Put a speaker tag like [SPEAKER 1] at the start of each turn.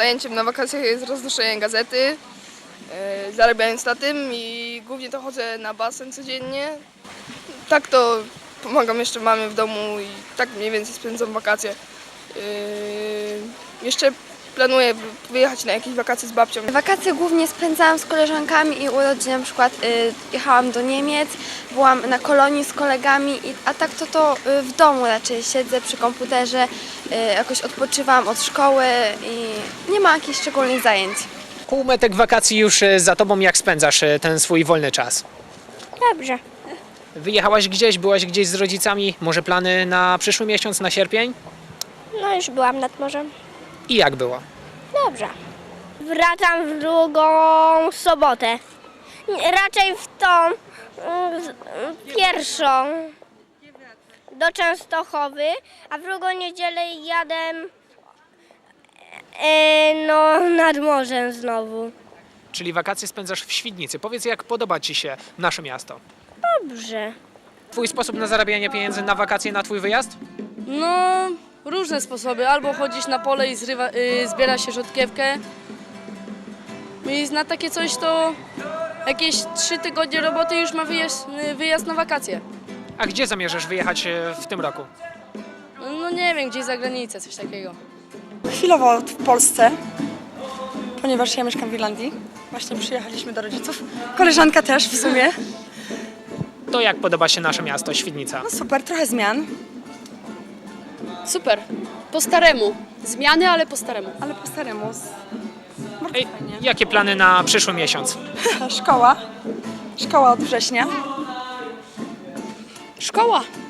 [SPEAKER 1] zajęciem na wakacjach jest roznoszenie gazety, zarabiając na tym i głównie to chodzę na basen codziennie. Tak to pomagam jeszcze mamie w domu i tak mniej więcej spędzam wakacje. Jeszcze planuję wyjechać na jakieś wakacje z babcią.
[SPEAKER 2] Wakacje głównie spędzałam z koleżankami i urodziny, na przykład jechałam do Niemiec, byłam na kolonii z kolegami, a tak to w domu raczej siedzę przy komputerze, jakoś odpoczywam od szkoły i nie ma jakichś szczególnych zajęć.
[SPEAKER 3] Półmetek wakacji już za tobą, jak spędzasz ten swój wolny czas?
[SPEAKER 4] Dobrze.
[SPEAKER 3] Wyjechałaś gdzieś, byłaś gdzieś z rodzicami, może plany na przyszły miesiąc, na sierpień?
[SPEAKER 4] No już byłam nad morzem.
[SPEAKER 3] I jak było?
[SPEAKER 4] Dobrze. Wracam w drugą sobotę. Raczej w tą pierwszą do Częstochowy, a w drugą niedzielę jadę nad morzem znowu.
[SPEAKER 3] Czyli wakacje spędzasz w Świdnicy. Powiedz, jak podoba ci się nasze miasto?
[SPEAKER 4] Dobrze.
[SPEAKER 3] Twój sposób na zarabianie pieniędzy na wakacje, na twój wyjazd?
[SPEAKER 5] No, różne sposoby. Albo chodzisz na pole i zbiera się rzodkiewkę. I na takie coś to jakieś 3 tygodnie roboty już ma wyjazd na wakacje.
[SPEAKER 3] A gdzie zamierzasz wyjechać w tym roku?
[SPEAKER 5] No nie wiem, gdzieś za granicę, coś takiego.
[SPEAKER 6] Chwilowo w Polsce, ponieważ ja mieszkam w Irlandii. Właśnie przyjechaliśmy do rodziców. Koleżanka też w sumie.
[SPEAKER 3] To jak podoba się nasze miasto, Świdnica?
[SPEAKER 6] No super, trochę zmian,
[SPEAKER 5] Super. Po staremu. Zmiany, ale po staremu.
[SPEAKER 6] ale po staremu. Bardzo
[SPEAKER 3] Ej,
[SPEAKER 6] fajnie.
[SPEAKER 3] jakie plany na przyszły miesiąc?
[SPEAKER 6] Szkoła. Szkoła od września.
[SPEAKER 5] Szkoła.